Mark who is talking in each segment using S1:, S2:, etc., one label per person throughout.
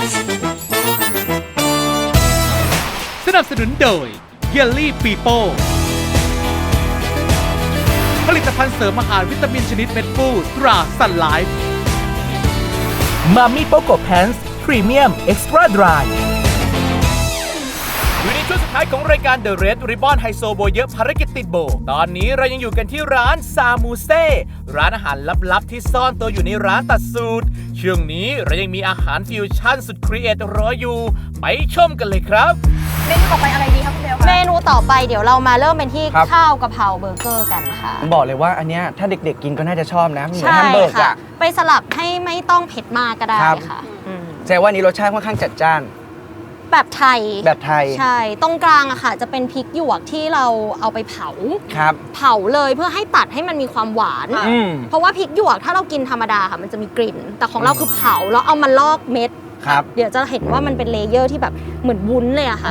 S1: สนับสนุนโดยเยลลี่ปีโป้ผลิตภัณฑ์เสริมอาหารวิตามินชนิดเม็ดฟูตราซันไลฟ์มามิโปโกแพนส์พรีเมียมเอ็กซ์ตร้าดรายอยู่ในช่วงสุดท้ายของรายการ The Red Ribbon ไฮโซโบเยอะภารกิจติดโบตอนนี้เรายังอยู่กันที่ร้านซามูเซ่ร้านอาหารลับๆที่ซ่อนตัวอยู่ในร้านตัดสูตรช่วงนี้เรายังมีอาหารฟิวชั่นสุดครีเอทรออยู่ไปชมกันเลยครับ
S2: เมนูต่อไปอะไรดีครับคุณเบลคะ
S3: เมนูต่อไปเดี๋ยวเรามาเริ่มเป็นที่ข้าวกะเพราเบอร์เกอร์กันค่ะ
S4: ผมบอกเลยว่าอันเนี้ยถ้าเด็กๆกินก็น่าจะชอบนะเหมือน
S3: ใช่
S4: แฮมเบอร์ก
S3: ค่ะ
S4: อะ
S3: ไปสลับให้ไม่ต้องเผ็ดมากก็ได้
S4: ครับ
S3: ค่ะ
S4: แสดงว่านี้รสชาติค่อนข้างจัดจ้าน
S3: แบบไทย
S4: แบบไทย
S3: ใช่ตรงกลางอะค่ะจะเป็นพริกหยวกที่เราเอาไปเผา
S4: ครับ
S3: เผาเลยเพื่อให้ตัดให้มันมีความหวาน เพราะว่าพริกหยวกถ้าเรากินธรรมดาค่ะมันจะมีกลิ่น แต่ของเราคือเผาแล้วเอามาลอกเม็ด
S4: ครับ
S3: เดี๋ยวจะเห็นว่ามันเป็นเลเยอร์ที่แบบเหมือนวุ้นเลยอะค่ะ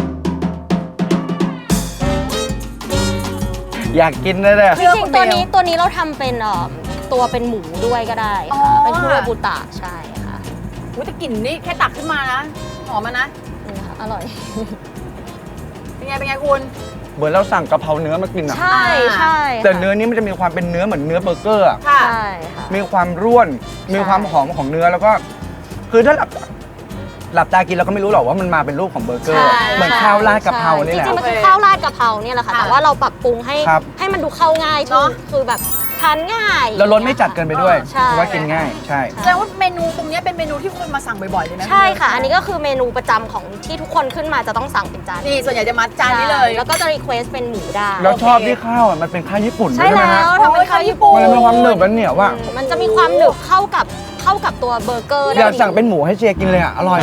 S4: อยากกินเลยเนี่ย
S3: จริงๆตัวนี้เราทำเป็นตัวเป็นหมูด้วยก็ได้ค่ะเป็นคุโรบุตะใช่ค่ะ
S2: แต่กลิ่นนี่แค่ตักขึ้นมานะหอมนะ
S3: นี่ค่ะอร่อย
S2: เป็นไงคุณ
S4: เหมือนเราสั่งกะเพราเนื้อมากินอะ
S3: ใช่ใช่
S4: แต่เนื้อนี้มันจะมีความเป็นเนื้อเหมือนเนื้อเบอร์เกอร์อะ
S2: ค่ะ
S3: ใช่ค่ะ
S4: มีความร่วน มีความหอมของเนื้อแล้วก็ คือถ้าหลับตากินเราก็ไม่รู้หรอกว่ามันมาเป็นรูปของเบอร์เกอร์ เหมือนข้าวราดกะเพรานี่แหละ
S3: จริงๆมันคือข้าวราดกะเพราเนี่ยแหละค่ะแต่ว่าเราปรับปรุงให้มันดูเข้าง่ายคือแบบทานง่าย
S4: แล้วรสไม่จัดเกินไปด้วย
S3: ใช่
S4: เพราะว่ากินง่ายใช่
S2: แสดงว่าเมนูตรงนี้เป็นเมนูที่คนมาสั่งบ่อยๆเลยนะ
S3: ใช่ค่ะ อันนี้ก็คือเมนูประจำของที่ทุกคนขึ้นมาจะต้องสั่งเป็นจาน
S2: นี่ส่วนใหญ่จะมาจานนี้เลย
S3: แล้วก็จะรีเควสเป็นหมูได้
S4: แล้วชอบที่ข้าวอะมันเป็นข้าวญี่ปุ่น
S3: ใช่
S4: ใช่ไหม
S3: แล้
S4: ฮะ
S3: วทำเป็นข้าวญี่ปุ่น
S4: มันมีความหนึบและเหนียวว่ะ
S3: มันจะมีความหนึบเข้ากับตัวเบอร์เกอร์ได้
S4: อยากสั่งเป็นหมูให้เชียร์กินเลยอ่ะ อร่อย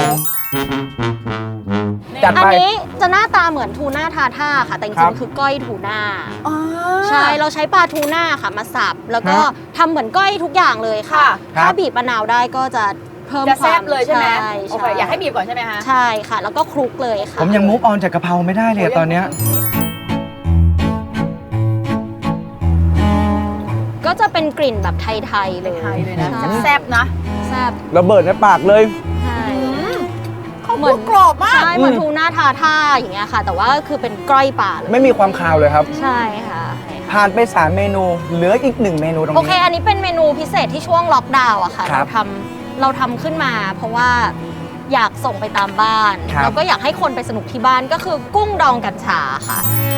S4: จัด
S3: อัน
S4: ไป
S3: นี้จะหน้าตาเหมือนทูน่าทาท่าค่ะ แต่จ
S4: ครั
S3: ริ
S4: บ
S3: งๆคือก้อยทูน่า
S2: อ๋อ
S3: ใช่ เราใช้ปลาทูน่าค่ะมาสับ แล้วก็
S4: ฮะ
S3: ทำเหมือนก้อยทุกอย่างเลยค่ะ
S4: ครั
S3: ถ้า
S4: บ
S3: บีบมะนาวได้ก็จะเพิ่ม
S2: จะ
S3: ค
S2: แซ่
S3: วาม
S2: บเลยใช่ไหมโอเค
S3: ใช่
S2: อยากให้บีบก่อนใช่ไหมคะ
S3: ใช่ค่ะ แล้วก็คลุกเลยค่ะ
S4: ผมยังมูฟออนจากกะเพราไม่ได้เลยอะตอนเนี้ย
S3: ก็จะเป็นกลิ่นแบบไทยๆเลย
S2: ไทยเลยนะ
S3: ใช่
S2: แซ่บนะ
S3: แซ่บ
S4: ระเบิดในปากเลย
S3: ใช่
S2: เขาเหมือนกรอบมาก
S3: ใช่เหมือนทูน่าทาท่าอย่างเงี้ยค่ะ แต่ว่าก็คือเป็นก้อยป่าเลย
S4: ไม่มีความคาวเลยครับ
S3: ใช่ค่ะ
S4: ผ่านไป 3 เมนู เหลืออีก 1 เมนูตรง
S3: โอเค
S4: นี้
S3: อันนี้เป็นเมนูพิเศษที่ช่วงล็อกดาวน์อะค่ะ
S4: ครับ
S3: เราทำขึ้นมาเพราะว่าอยากส่งไปตามบ้าน
S4: ครับ
S3: แล้วก็อยากให้คนไปสนุกที่บ้านก็คือกุ้งดองกัญชาค่ะ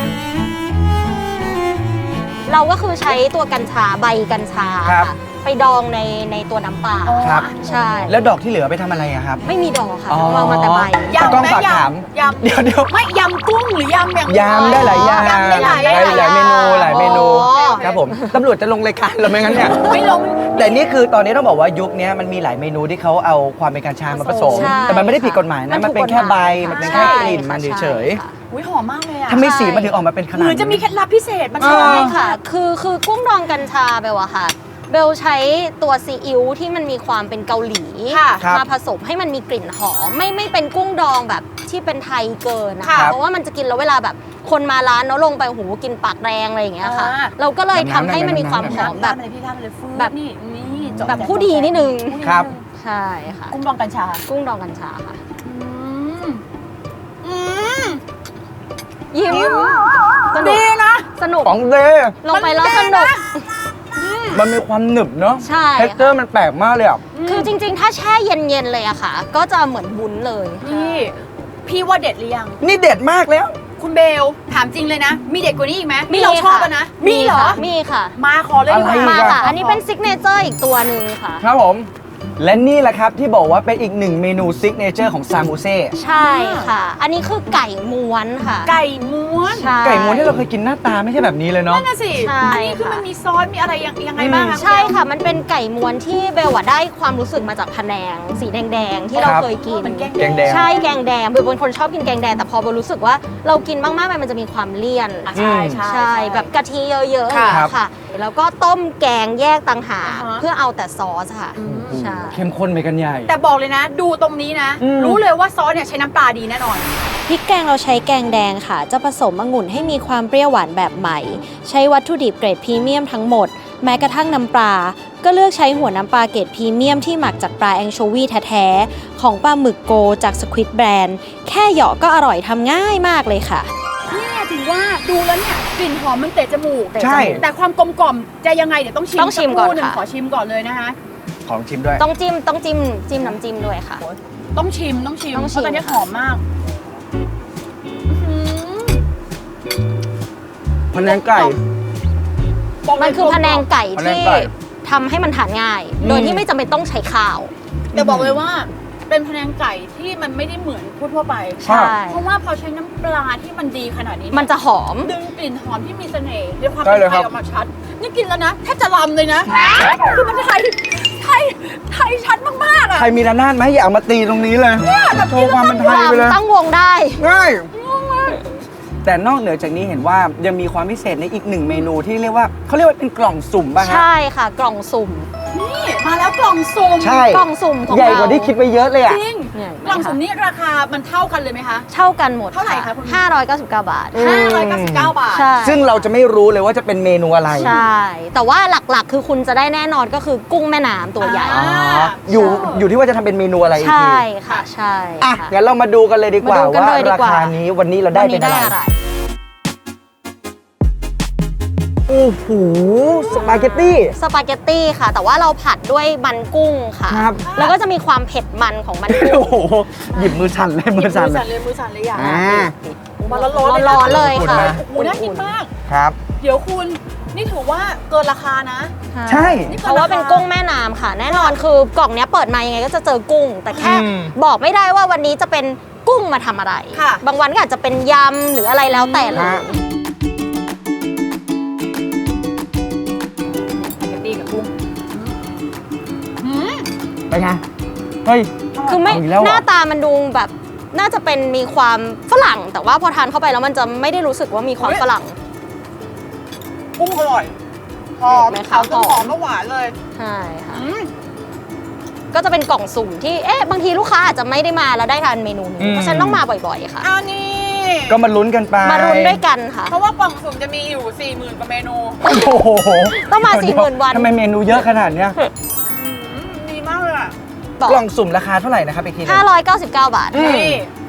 S3: เราก็คือใช้ตัวกัญชาใบกัญชา
S4: ครับ
S3: ค่ะไปดองในตัวน้ำปลา
S4: ครับ
S3: ใช่
S4: แล้วดอกที่เหลือไปทำอะไรอะครับ
S3: ไม่มีดองค่ะ
S4: อ๋อ
S3: เรามาแต่ใบ
S2: ยำ
S4: ต้อง
S2: ไหม
S4: ฝากถาม
S2: ยำ
S4: เดี๋ยว
S2: ไม่ยำกุ้งหรือยำอย่าง
S4: ยำได้หลายอย่าง
S2: ยำได้หลาย
S4: หลายเมนูหลายเมนู
S3: อ๋อ
S4: ครับผมตำรวจจะลงรายการเราไหมงั้นเนี่ย
S2: ไม่ลง
S4: แต่นี่คือตอนนี้ต้องบอกว่ายุคนี้มันมีหลายเมนูที่เขาเอาความเป็นกัญชามาผสม
S3: ใช่
S4: แต่มันไม่ได้ผิดกฎหมายนะ มันเป็นแค่ใบ มันเป็นแค่
S3: ใช่
S4: กลิ่นมัน
S3: ค่ะ
S4: เฉย
S3: ใช่ค่ะ
S2: อุ้ยหอมมากเลยอะ
S4: ๆถ้าไม่สีมันถึงออกมาเป็นข
S2: เห
S4: นาด
S2: มือนจะมีเคล็ดลับพิเศษมัน
S4: เออ
S3: ใช่ค่ะ คือกุ้งดองกัญชาเบลอะค่ะ เบลใช้ตัวซีอิ๊วที่มันมีความเป็นเกาหลี
S2: ค่ะ
S3: มาผสมให้มันมีกลิ่นหอมไม่เป็นกุ้งดองแบบที่เป็นไทยเกินนะ
S2: ครั
S3: คะ
S2: บ
S3: เพราะว่ามันจะกินแล้วเวลาแบบคนมาร้านเนาะลงไปหูกินปากแดงอะไรอย่างเงี้ยค่ะ เราก็เลยทำให้มันมีความหอมแบบ
S2: ทำอะไรพี่ทำอะไรฟื้น
S3: แบบ
S2: นี่จ
S3: แบบผู้ดีนิดนึง
S4: ครับ
S3: ใช่ค่ะ
S2: กุ้งดองกัญชา
S3: กุ้งดองกัญชาค่ะ
S2: อืม
S3: ยิ้มสนุก
S2: ดีนะ
S3: สนุก
S4: ของเด
S3: ลงไปแล้วสนุก
S4: มันมีความหนึบเนาะ
S3: ใช่
S4: เท็กเจอร์มันแปลกมากเลยอ่ะ
S3: คือจริงๆ ถ้าแช่เย็นๆเลยอะค่ะ ก็จะเหมือนวุ้นเลย
S2: พี่ว่าเด็ดหรือยัง
S4: นี่เด็ดมากแล้ว
S2: คุณเบลถามจริงเลยนะ มีเด็ดกว่านี้อีกไหมนี่เราชอบอะนะ มีเหรอ
S3: มีค่ะ
S2: มาขอเลยดีก
S4: อะไร
S2: ว่า
S3: มา
S4: อีก
S3: ค่ะ
S4: อะ
S3: อันนี้เป็นซิกเนเจอร์อีกตัวหนึ่งค่ะ
S4: ครับผม และนี่แหละครับที่บอกว่าเป็นอีกหนึ่งเมนูซิกเนเจอร์ของซามูเซ่
S3: ใช่ค่ะ อันนี้คือไก่ม้วนค่ะ
S2: ไก่ม้วน
S3: ใช่
S4: ไก่ม้วนที่เราเคยกินหน้าตาไม่ใช่แบบนี้เลยเนาะ
S2: นั่นน่ะสิ
S3: ใช่
S2: อันนี้คือ
S3: ค่ะ
S2: มันมีซอส มีอะไรยังไงบ้างคะ
S3: ใช่ค่ะ มันเป็นไก่ม้วนที่เบลอะได้ความรู้สึกมาจากพะแนง สีแดงๆ ที่เรา
S4: ครับ
S3: เคยกิน
S2: เหมือนแกง
S4: แกงแดง
S3: ใช่แกงแดงเบลเป็นคนชอบกินแกงแดงแต่พอเบลรู้สึกว่าเรากินมากๆไปมันจะมีความเลี่ยน
S2: อ่ะใช่ใช่
S3: ใช่แบบกะทิเยอะๆอย่าง
S2: ค่ะ
S3: เงี้ยค่ะ แล้วก็ต้มแกงแยกต่างหาก
S2: อ่าฮะ
S3: เพื่อเอาแต่ซอสค่ะ ใช่
S4: เข้มข้นไปกันใหญ่
S2: แต่บอกเลยนะ ดูตรงนี้นะ
S4: อืม
S2: รู้เลยว่าซอสเนี่ยใช้น้ำปลาดีแน่นอน
S3: พริกแกงเราใช้แกงแดงค่ะ จะผสมองุ่นให้มีความเปรี้ยวหวานแบบใหม่ ใช้วัตถุดิบเกรดพรีเมียมทั้งหมดแม้กระทั่งน้ำปลาก็เลือกใช้หัวน้ำปลาเกรดพรีเมียมที่หมักจากปลาแองโชวีแท้ๆของปลาหมึกโกจากสควิดแบรนด์แค่เหยาะก็อร่อยทำง่ายมากเลยค่ะ
S2: นี่ไงถือว่าดูแล้วเนี่ยกลิ่นหอมมันเตะจมูก
S4: ใช่
S2: แต่ความกลมกล่อมจะยังไงเดี๋ยวต้องชิม
S3: ต้องชิมก่อน
S2: สัรู่หง
S3: ค่ะ
S2: ขอชิมก่อนเลยนะคะ
S4: ของชิมด้วย
S3: ต้องจิ้มน้ำจิ้มด้วยค่ะ
S2: ต้องชิม
S3: ต้องชิม
S2: เพราะตอนนี้
S3: ค่ะ
S2: หอมมากอื้อหือ
S4: พะแนงไก่
S2: บอกเลย
S3: มันคือพะแนงไก่
S4: พะแนง
S3: ที่
S4: ไก่
S3: ทำให้มันทานง่าย โดยที่ไม่จำเป็นต้องใช้ข้าว
S2: แต่บอกเลยว่าเป็นพะแนงไก่ที่มันไม่ได้เหมือนทั่วๆไป
S3: ใช่
S2: เพราะว่าพอใช้น้ำปลาที่มันดีขนาดนี้
S3: มันจะหอม
S2: ดึงกลิ่นหอมที่มีเสน่ห์ด้วยความ
S4: ใช่
S2: เป็น
S4: เลย
S2: ไท
S4: ครั
S2: ย
S4: บ
S2: ออกมาชัด นี่กินแล้วนะแทบจะลำเลยนะคือมันไทยชัดมากๆอ่ะ
S4: ใครมีระนาดไหมอย่าเอามาตีตรงนี้เลยโชว์ความเป็นไทยไปเลย
S3: ตั้งวงได้
S4: ง่ายแต่นอกเหนือจากนี้เห็นว่ายังมีความพิเศษในอีกหนึ่งเมนูที่เรียกว่าเขาเรียกว่าเป็นกล่องสุ่มป่ะฮะ
S3: ใช่ค่ะ กล่องสุ่ม
S2: นี่มาแล้วกล่องสุ่ม
S4: ใช่
S3: กล่องสุ่มของ
S4: ใหญ่
S3: เรา
S4: กว่าที่คิดไปเยอะเลยอ่ะ
S2: จริง
S3: เนี่ย
S2: กล่องสุ่มนี้ราคามันเท่ากันเลยไหมคะ
S3: เท่ากันหมด
S2: เท่าไหร่คะคุณ
S3: 599 บาท
S2: 599 บาท
S3: ใช่
S4: ซึ่งเราจะไม่รู้เลยว่าจะเป็นเมนูอะไร
S3: ใช่ แต่ว่าหลักๆ คือคุณจะได้แน่นอนก็คือกุ้งแม่น้ำตัวใหญ่
S2: อ่า
S4: อ๋ออยู่ที่ว่าจะทำเป็นเมนูอะไรอีกที
S3: ใช่ค่ะ ใช่
S4: อ่ะ
S3: ค่ะ
S4: งั้นเรามาดูกันเลยดีกว่า
S3: มาดูกัน
S4: ว่า
S3: เลยดี
S4: ราก
S3: ว่า
S4: คานี้วันนี้เราได้
S3: วัน
S4: เป็
S3: นี้
S4: น
S3: ได้
S4: อะไร
S3: อะไร
S4: โอ้โหสปาเกตตี้
S3: สปาเกตตี้ค่ะ แต่ว่าเราผัดด้วยมันกุ้งค่ะ
S4: ครับ
S3: แล้วก็จะมีความเผ็ดมันของมันกุ้
S4: โอ้
S3: ง
S4: โหหยิบมือสั่นเลยมือสั่น
S2: มือสั่นเลยอย่าง
S4: อ่า
S2: มาร้อนๆ
S3: ร้อนๆเลยค่ะ
S2: โอ้โหน่ากินมาก
S4: ครับ
S2: เดี๋ยวคุณนี่ถือว่าเกินราคานะ
S4: ใช่
S3: เพราะว่าเป็นกุ้งแม่น้ำค่ะ แน่นอนคือกล่องเนี้ยเปิดมายังไงก็จะเจอกุ้ง แต่แค่
S4: อืม
S3: บอกไม่ได้ว่าวันนี้จะเป็นกุ้งมาทำอะไร
S2: ค่ะ
S3: บางวันก็อาจจะเป็นยำหรืออะไรแล้วแต่เลย
S4: ฮะ
S2: สปาเกตตี้กับกุ้ง
S4: เป็นไง เฮ้ย
S3: คือไม่
S4: เอาอีกแล้วเหรอ
S3: หน้าตามันดูแบบน่าจะเป็นมีความฝรั่ง แต่ว่าพอทานเข้าไปแล้วมันจะไม่ได้รู้สึกว่ามีความฝรั่ง
S2: กุ้งอร่อยหอม
S3: เห็นไหมคะ
S2: ขาวจน
S3: ห
S2: ห
S3: อ
S2: อ
S3: ม
S2: มแล้วหวานเลย
S3: ใช่ค่ะ
S2: อืม
S3: ก็จะเป็นกล่องสุ่มที่บางทีลูกค้าอาจจะไม่ได้มาแล้วได้ทานเมนูนี้เพราะฉะนันต้องมาบ่อยๆค่ะ
S2: อันนี้
S4: ก็มาลุ้นกันไป
S3: มารุนด้วยกันค่ะ
S2: เพราะว่ากล่องสุ่มจะมีอยู่ 40,000 กว่าเมนู
S4: โอ้โห
S3: ต้องมา
S4: เดี๋ย
S3: 40,000 วัน
S4: ทำไมเมนูเยอะขนาดเนี้ย
S2: ดีมากเลยอ่ะ
S3: บอก
S4: กล่องสุ่มราคาเท่าไหร่นะครับอีกทีหนึง
S3: 599 บาท
S2: นี่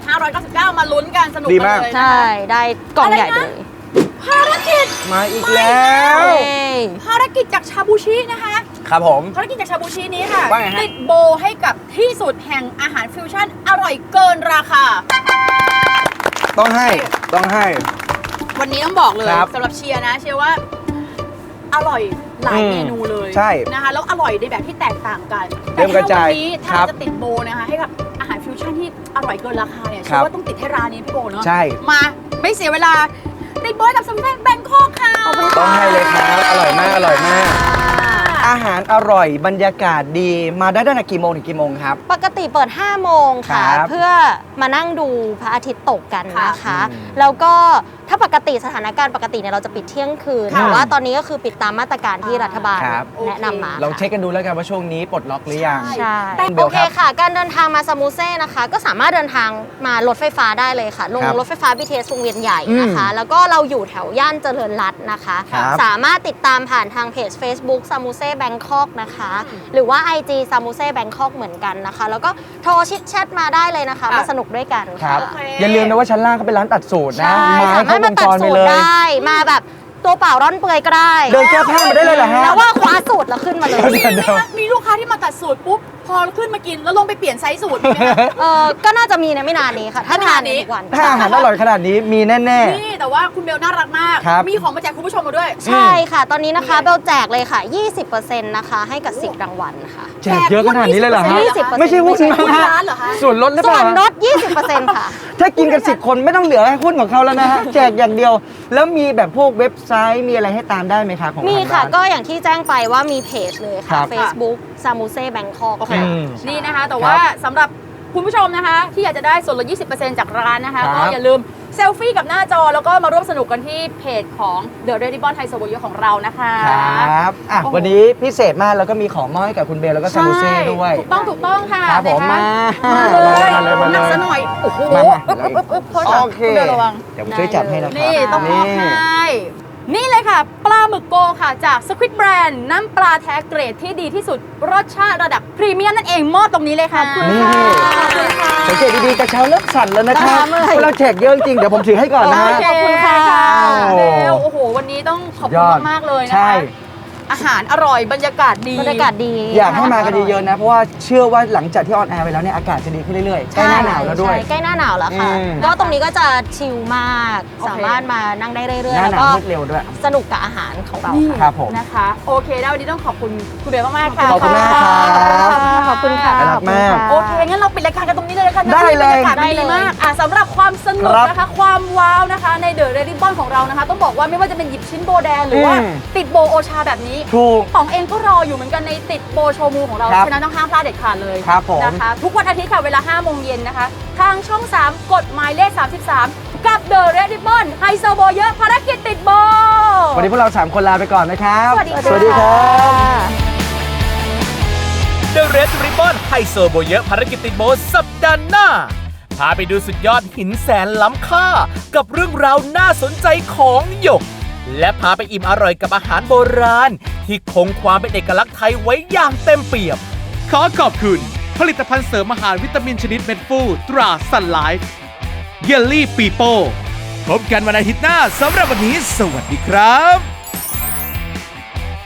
S2: 599 มาลุ้นกันสนุก
S4: ดี
S2: กั
S4: มาก
S2: นเลย
S3: ใช่ ได้กล่องใหญ่เลย
S2: ภารกิจ
S4: มาอีกแล้ว
S3: เย้
S2: ภารกิจจากชาบูชินะคะ
S4: ครับผม
S2: ภารกิจจากชาบูชินี้ค่ะ
S4: ว่าไงฮะ
S2: ติดโบให้กับที่สุดแห่งอาหารฟิวชั่นอร่อยเกินราคา
S4: ต้องให้ ต้องให้
S2: วันนี้ต้องบอกเลย
S4: ครับ
S2: สำหรับเชียร์นะ เชียร์ว่าอร่อยหลาย
S4: อืม
S2: เมนูเลย
S4: ใช่
S2: นะคะแล้วอร่อยในแบบที่แตกต่างกัน
S4: เริ่มกระจาย
S2: แต่ถ้าวันนี้ถ้า
S4: ครั
S2: เรา
S4: บ
S2: จะติดโบนะคะให้กับอาหารฟิวชั่นที่อร่อยเกินราคาเนี่ย
S4: ค
S2: เชื่
S4: รั
S2: อบ ว่าต้องติดให้ร้านนี้พี่โบเนาะ
S4: ใช่
S2: มาไม่เสียเวลาติดโบให้กับสมุนไพรแบงคอกค่ะ
S4: ต้องให้เลยครับ อร่อยมาก อร่อยมาก อาหารอร่อย บรรยากาศดี มาได้ตั้งแต่กี่โมงถึงกี่โมงครับ
S3: ปกติเปิด 5 โมงค่ะ
S4: ครับ
S3: เพื่อมานั่งดูพระอาทิตย์ตกกันนะคะ
S4: อืม
S3: แล้วก็ถ้าปกติสถานการณ์ปกติเนี่ยเราจะปิดเที่ยงคืน
S4: ค่ะ
S3: แต่ว่าตอนนี้ก็คือปิดตามมาตรการที่รัฐบาล
S4: ครับ
S3: แนะนำมา
S4: ลองเช็คกันดูแล้วกันว่าช่วงนี้ปลดล็อกหรือยัง
S3: ใช่
S4: เบ
S3: โอ
S4: ล
S3: เค
S4: ครับ
S3: ค่ะ การเดินทางมาซามูเซ่นะคะ ก็สามารถเดินทางมารถไฟฟ้าได้เลยค่ะ ลง
S4: ครับ
S3: รถไฟฟ้า BTS วงเวียนใหญ่นะคะ แล้วก็เราอยู่แถวย่านเจริญรัตน์นะคะ
S4: ครับ
S3: สามารถติดตามผ่านทางเพจ Facebook ซามูเซ่แบงคอกนะคะ หรือว่า IG ซามูเซ่แบงคอกเหมือนกันนะคะ แล้วก็โทรชิดแชทมาได้เลยนะคะ
S2: ค่ะ
S3: มาสนุกด้วยกัน
S4: ครั
S3: ค่ะ
S4: บ
S2: โอเค
S4: อย่าลืมนะว่าชั้นล่างเขาเป็นร้านตัดสูตรนะ
S3: ใช่
S4: มา
S3: สา
S4: ให้
S3: มาร
S4: คร
S3: ถ
S4: บ
S3: มาว ตัด
S4: งจรไป
S3: สูต
S4: เล
S3: ร
S4: ย
S3: ได้ มาแบบตัวเปล่าร่อนเปลือยก็ได้
S4: เดินแก้ผ้ามาได้เลยเหรอฮะ
S3: แล้วว่าคว้าสูตรแล้วขึ้นมาเลย
S4: เดี๋ยว
S2: มีลูกค้าที่มาตัดสูตรปุ๊บ พอขึ้นมากินแล้วลงไปเปลี่ยนไซส์สูตรมีไหมคะ
S3: ก็น่าจะมีในไม่นานนี้ค่ะ ถ้าทานในทุกวัน
S4: ถ้าอาหารอร่อยขนาดนี้มีแน่
S2: นี่แต่ว่าคุณเบลน่ารักมาก
S4: ครับ
S2: มีของมาแจกคุณผู้ชมมาด้วย
S3: ใช่ค่ะ ตอนนี้นะคะเบลแจกเลยค่ะ 20%นะคะให้กับ10รางวัลค่ะ
S4: ๆแจกเยอะขนาดนี้เลยเหรอฮะ
S3: 20%
S4: ไม่ใช่หุ้น
S2: หุ้น
S4: นะฮะ
S2: ร้านเหรอคะ
S4: ส่วนลดหรือเป
S3: ส่ว
S4: ล่าน
S3: ลด 20%ค่ะ
S4: ถ้ากินกัน10 คนไม่ต้องเหลือให้หุ้นของเขาแล้วนะฮะ แจกอย่างเดียว แล้วมีแบบพวกเว็บไซต์มีอะไรให้ตามได้ไหมครับของ
S3: มี
S4: ทาง
S3: ค่ะ
S4: ร้าน
S3: ก็อย่างที่แจ้งไปว่ามีเพจเลย
S4: ครั
S3: ค่ะ
S4: บ
S3: Facebook ซามูเซ่แบงคอก
S2: โอเค
S3: ค่ะ
S2: นี่นะคะ แต่ว่าสำหรับคุณผู้ชมนะคะ ที่อยากจะได้ส่วนลด 20% จากร้านนะคะ
S4: ครับ
S2: ก็อย่าลืมเซลฟี่กับหน้าจอ แล้วก็มาร่วมสนุกกันที่เพจของ The Red Ribbon Thai Soboyo ของเรานะคะ
S4: ครับอ่ะ
S2: โอ้โห
S4: วันนี้พิเศษมากแล้วก็มีของมอบให้กับคุณเบลแล้วก็ซามูเซ่ด้วย
S2: ถูกต้องค่ะ
S4: ครับผม
S2: นะ
S4: มา
S2: คะมาเลย
S4: มาเลยมาเลย
S2: นักซะหน่อย โอ้โห
S4: มา
S2: โทษค่ะ
S4: โอเค
S2: ณบลระวัง
S4: เดี๋ยวผมช่วยจับให้นะครับ
S2: นี่ต้องมอบให้นี่เลยค่ะ ปลาหมึกโกค่ะจาก Squid Brand น้ำปลาแท้เกรดที่ดีที่สุดรสชาติระดับพรีเมียมนั่นเองมอบตรงนี้เลยค่ะ
S4: นี่ สังเกตดีๆกระเช้าเริ่มสั่นแล้วนะครับ
S3: เมื่อย
S4: เพราะเราแจกเยอะจริงๆเดี๋ยวผมถือให้ก่อนนะฮะ
S2: ขอบคุณค่ะ
S4: โอ้
S2: เร็วโอ้โห วันนี้ต้องขอบ
S4: ย
S2: คุ
S4: อ
S2: ณ
S4: ด
S2: มากๆเลยนะ
S4: ใช่
S2: คะอาหารอร่อยบรรยากาศดี
S3: บรรยากาศดี
S4: อยากให้มากันเยอะๆนะ เพราะว่าเชื่อว่าหลังจากที่ออนแอร์ไปแล้วเนี่ยอากาศจะดีขึ้นเรื่อยๆใกล้หน้าหนาวแล้วด้วย
S3: ใช่ใกล้หน้าหนาวแล้วค่ะ
S4: อืม
S3: ก็ตรงนี้ก็จะชิลมาก
S2: โอเค
S3: สามารถมานั่งได้เรื่อย
S4: ห
S3: ๆ
S4: น้า
S3: แล้ว
S4: หนาว
S3: ก็
S4: มืดเร็วด้วย
S3: สนุกกับอาหารของเรา
S2: นี่
S3: ค่ะ
S4: ครับผม
S2: นะคะ โอเคนะวันนี้ต้องขอบคุณคุณเบลมากๆค่ะ
S4: ขอบคุณมากครับ
S3: ขอบคุณค่ะ
S4: น่ารักมาก
S2: โอเค งั้นเราปิดรายการกันตรงนี้เลยแล้วกันนะ
S4: ได้เลย
S2: บรรยากาศมันดีมากสำหรับความสนุก
S4: ครับ
S2: นะคะ ความว้าวนะคะ ในเดอะเรดดิบอนของเรานะคะ ต้องบอกว่าไม่ว่าจะเป็นหยิบชิ้นโบแดงหรือว่า
S4: อืม
S2: ติดโบโอชาแบบนี้
S4: ถูก
S2: ป๋องเองก็รออยู่เหมือนกันในติดโบโชว์มูของเรา
S4: ครับ
S2: ฉะนั้นต้องห้ามพลาดเด็ดขาดเลย
S4: ครับผม
S2: นะคะ ทุกวันอาทิตย์ค่ะเวลา 5 โมงเย็นนะคะ ทางช่อง 3 กดหมายเลข 33 กับ The Red Ribbon ไฮโซโบเยอะภารกิจติดโบ
S4: วันนี้พวกเรา 3 คนลาไปก่อนนะครับ
S2: สวัสดีค่ะ
S4: สวัสดีครับ
S1: The Red Ribbon ไฮโซโบเยอะภารกิจติดโบสัปดาห์หน้า พาไปดูสุดยอดหินแสนล้ำค่า กับเรื่องราวน่าสนใจของหยก และพาไปอิ่มอร่อยกับอาหารโบราณ ที่คงความเป็นเอกลักษณ์ไทยไว้อย่างเต็มเปี่ยม ขอขอบคุณ ผลิตภัณฑ์เสริมอาหารวิตามินชนิดเม็ดฟูตราซันไลฟ์เยลลี่ปีโป้พบกันวันอาทิตย์หน้าสำหรับวันนี้สวัสดีครับ